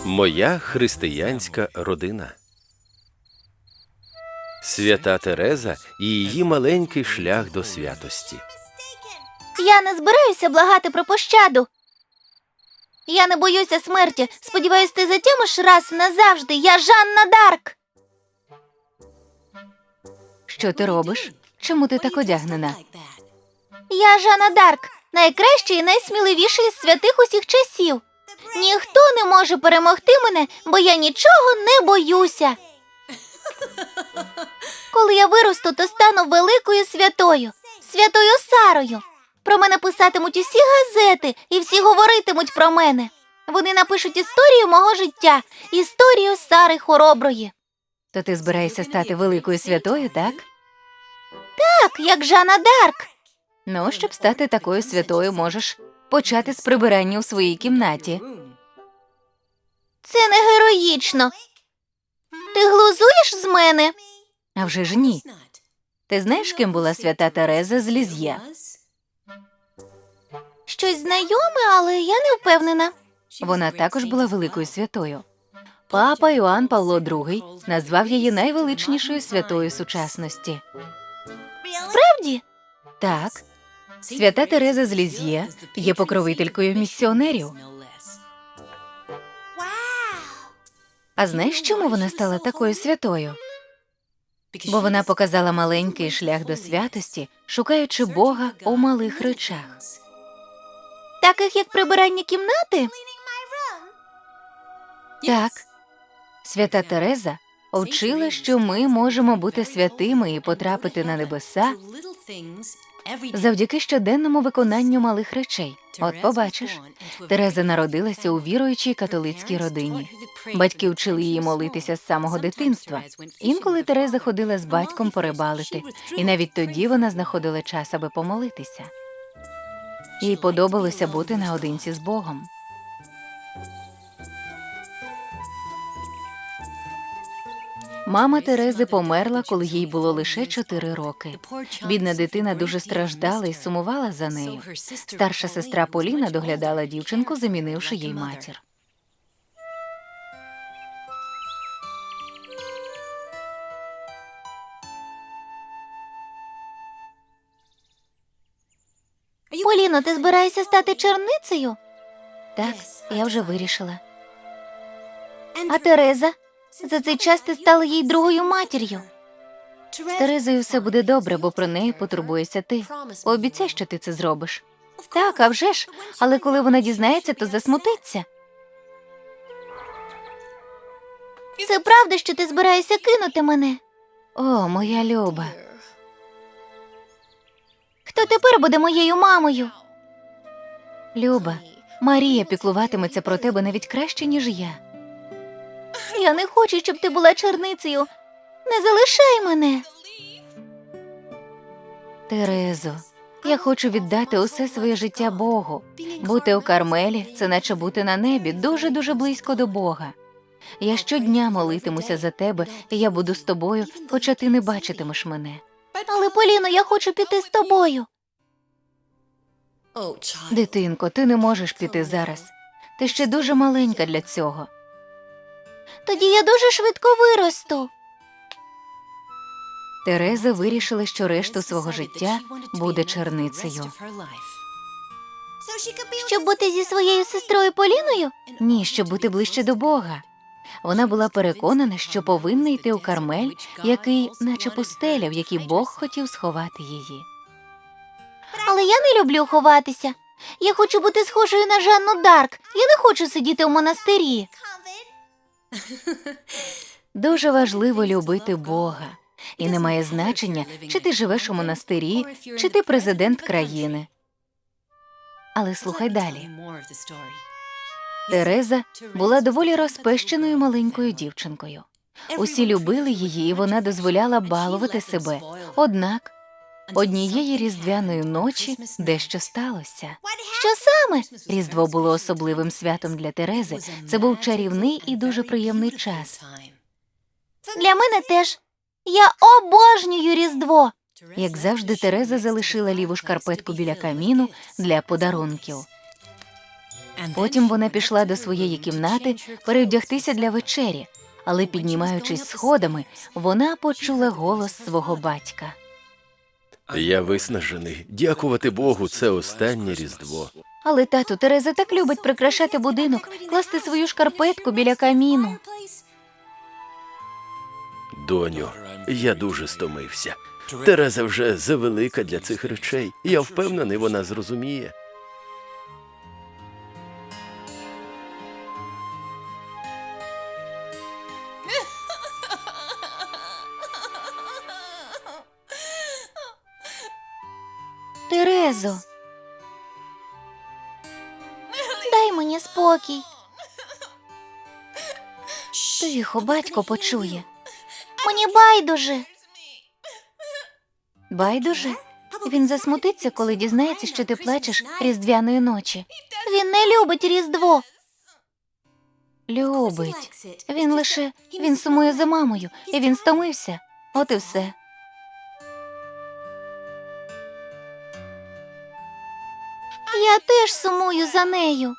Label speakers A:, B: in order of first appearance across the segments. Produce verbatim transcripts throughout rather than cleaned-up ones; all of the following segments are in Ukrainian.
A: Моя християнська родина. Свята Тереза і її маленький шлях до святості.
B: Я не збираюся благати про пощаду. Я не боюся смерті. Сподіваюсь, ти затямиш раз назавжди. Я Жанна Дарк.
C: Що ти робиш? Чому ти так одягнена?
B: Я Жанна Дарк, найкращий і найсміливіший із святих усіх часів. Ніхто не може перемогти мене, бо я нічого не боюся. Коли я виросту, то стану великою святою, святою Сарою. Про мене писатимуть усі газети, і всі говоритимуть про мене. Вони напишуть історію мого життя, історію Сари Хороброї.
C: То ти збираєшся стати великою святою, так?
B: Так, як Жанна Дарк.
C: Ну, щоб стати такою святою, можеш почати з прибирання у своїй кімнаті.
B: Це не героїчно. Ти глузуєш з мене?
C: А вже ж ні. Ти знаєш, ким була свята Тереза з Ліз'є?
B: Щось знайоме, але я не впевнена.
C: Вона також була великою святою. Папа Іоанн Павло другий назвав її найвеличнішою святою сучасності.
B: Справді?
C: Так. Свята Тереза з Ліз'є є покровителькою місіонерів. А знаєш, чому вона стала такою святою? Бо вона показала маленький шлях до святості, шукаючи Бога у малих речах.
B: Таких, як прибирання кімнати?
C: Так. Свята Тереза вчила, що ми можемо бути святими і потрапити на небеса завдяки щоденному виконанню малих речей. От побачиш, Тереза народилася у віруючій католицькій родині. Батьки вчили її молитися з самого дитинства. Інколи Тереза ходила з батьком порибалити, і навіть тоді вона знаходила час, аби помолитися. Їй подобалося бути наодинці з Богом. Мама Терези померла, коли їй було лише чотири роки. Бідна дитина дуже страждала і сумувала за нею. Старша сестра Поліна доглядала дівчинку, замінивши їй матір.
B: Поліно, ти збираєшся стати черницею?
C: Так, я вже вирішила.
B: А Тереза? За цей час ти стала їй другою матір'ю.
C: З Терезою все буде добре, бо про неї потурбуєшся ти. Пообіцяй, що ти це зробиш.
B: Так, а вже ж. Але коли вона дізнається, то засмутиться. Це правда, що ти збираєшся кинути мене?
C: О, моя Люба.
B: Хто тепер буде моєю мамою?
C: Люба, Марія піклуватиметься про тебе навіть краще, ніж я.
B: Я не хочу, щоб ти була черницею. Не залишай мене.
C: Терезо, я хочу віддати усе своє життя Богу. Бути у Кармелі – це наче бути на небі, дуже-дуже близько до Бога. Я щодня молитимуся за тебе, і я буду з тобою, хоча ти не бачитимеш мене.
B: Але, Поліно, я хочу піти з тобою.
C: Дитинко, ти не можеш піти зараз. Ти ще дуже маленька для цього.
B: Тоді я дуже швидко виросту.
C: Тереза вирішила, що решту свого життя буде черницею.
B: Щоб бути зі своєю сестрою Поліною?
C: Ні, щоб бути ближче до Бога. Вона була переконана, що повинна йти у Кармель, який, наче пустеля, в якій Бог хотів сховати її.
B: Але я не люблю ховатися. Я хочу бути схожою на Жанну Дарк. Я не хочу сидіти у монастирі.
C: Дуже важливо любити Бога. І не має значення, чи ти живеш у монастирі, чи ти президент країни. Але слухай далі. Тереза була доволі розпещеною маленькою дівчинкою. Усі любили її, і вона дозволяла балувати себе. Однак однієї різдвяної ночі дещо сталося.
B: Що саме?
C: Різдво було особливим святом для Терези. Це був чарівний і дуже приємний час.
B: Для мене теж. Я обожнюю Різдво.
C: Як завжди, Тереза залишила ліву шкарпетку біля каміну для подарунків. Потім вона пішла до своєї кімнати перевдягтися для вечері, але, піднімаючись сходами, вона почула голос свого батька.
A: Я виснажений. Дякувати Богу, це останнє Різдво.
C: Але, тату, Тереза так любить прикрашати будинок, класти свою шкарпетку біля каміну.
A: Доню, я дуже стомився. Тереза вже завелика для цих речей. Я впевнений, вона зрозуміє.
C: Терезо,
B: Дай мені спокій.
C: тихо, батько почує.
B: Мені байдуже.
C: Байдуже? Він засмутиться, коли дізнається, що ти плачеш різдвяної ночі.
B: Він не любить Різдво.
C: Любить. Він лише... Він сумує за мамою, і він стомився. От і все.
B: Я теж сумую за нею.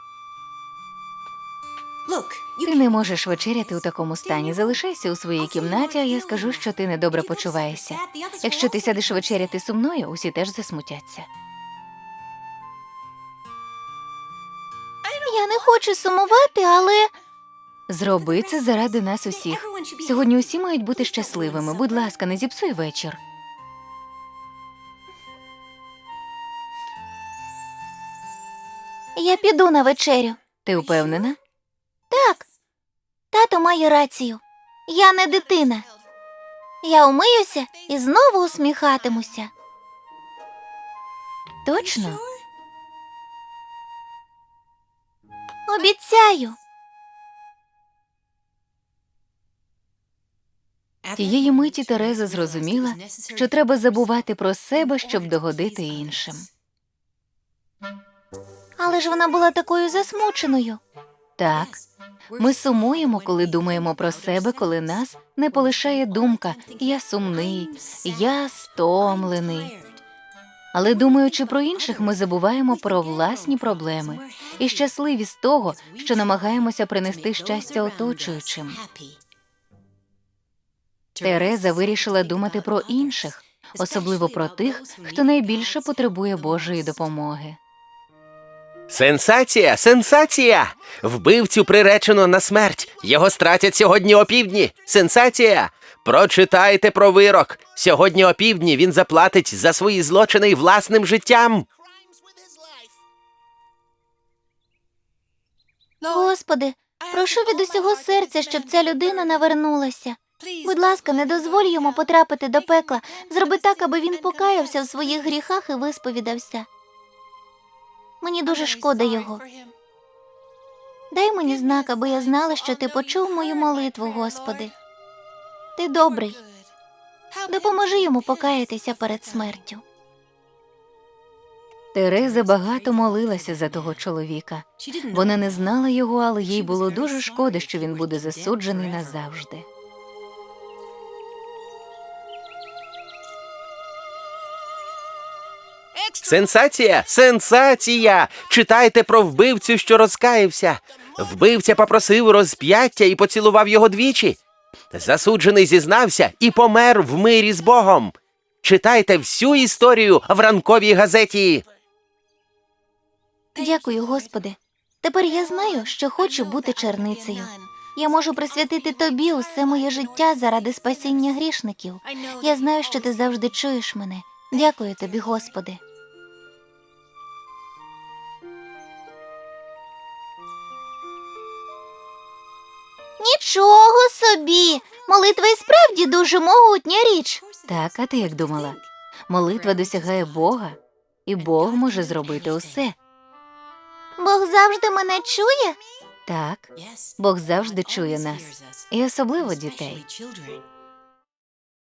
C: Ти не можеш вечеряти у такому стані. Залишайся у своїй кімнаті, а я скажу, що ти недобре почуваєшся. Якщо ти сядеш вечеряти сумною, усі теж засмутяться.
B: Я не хочу сумувати, але...
C: Зроби це заради нас усіх. Сьогодні усі мають бути щасливими. Будь ласка, не зіпсуй вечір.
B: Я піду на вечерю.
C: Ти впевнена?
B: Так, тато має рацію. Я не дитина. Я умиюся і знову усміхатимуся.
C: Точно?
B: Обіцяю.
C: Тієї миті Тереза зрозуміла, що треба забувати про себе, щоб догодити іншим.
B: Але ж вона була такою засмученою.
C: Так, ми сумуємо, коли думаємо про себе, коли нас не полишає думка «я сумний», «я стомлений». Але думаючи про інших, ми забуваємо про власні проблеми і щасливі з того, що намагаємося принести щастя оточуючим. Тереза вирішила думати про інших, особливо про тих, хто найбільше потребує Божої допомоги.
A: Сенсація! Сенсація! Вбивцю приречено на смерть. Його стратять сьогодні опівдні. Сенсація! Прочитайте про вирок. Сьогодні опівдні він заплатить за свої злочини власним життям.
B: Господи, прошу від усього серця, щоб ця людина навернулася. Будь ласка, не дозволь йому потрапити до пекла. Зроби так, аби він покаявся в своїх гріхах і висповідався. Мені дуже шкода його. Дай мені знак, аби я знала, що ти почув мою молитву, Господи. Ти добрий. Допоможи йому покаятися перед смертю.
C: Тереза багато молилася за того чоловіка. Вона не знала його, але їй було дуже шкода, що він буде засуджений назавжди.
A: Сенсація! Сенсація! Читайте про вбивцю, що розкаявся. Вбивця попросив розп'яття і поцілував його двічі. Засуджений зізнався і помер в мирі з Богом. Читайте всю історію в ранковій газеті.
B: Дякую, Господи. Тепер я знаю, що хочу бути черницею. Я можу присвятити Тобі усе моє життя заради спасіння грішників. Я знаю, що Ти завжди чуєш мене. Дякую Тобі, Господи. Нічого собі! Молитва і справді дуже могутня річ.
C: Так, а ти як думала? Молитва досягає Бога, і Бог може зробити усе.
B: Бог завжди мене чує?
C: Так, Бог завжди чує нас, і особливо дітей.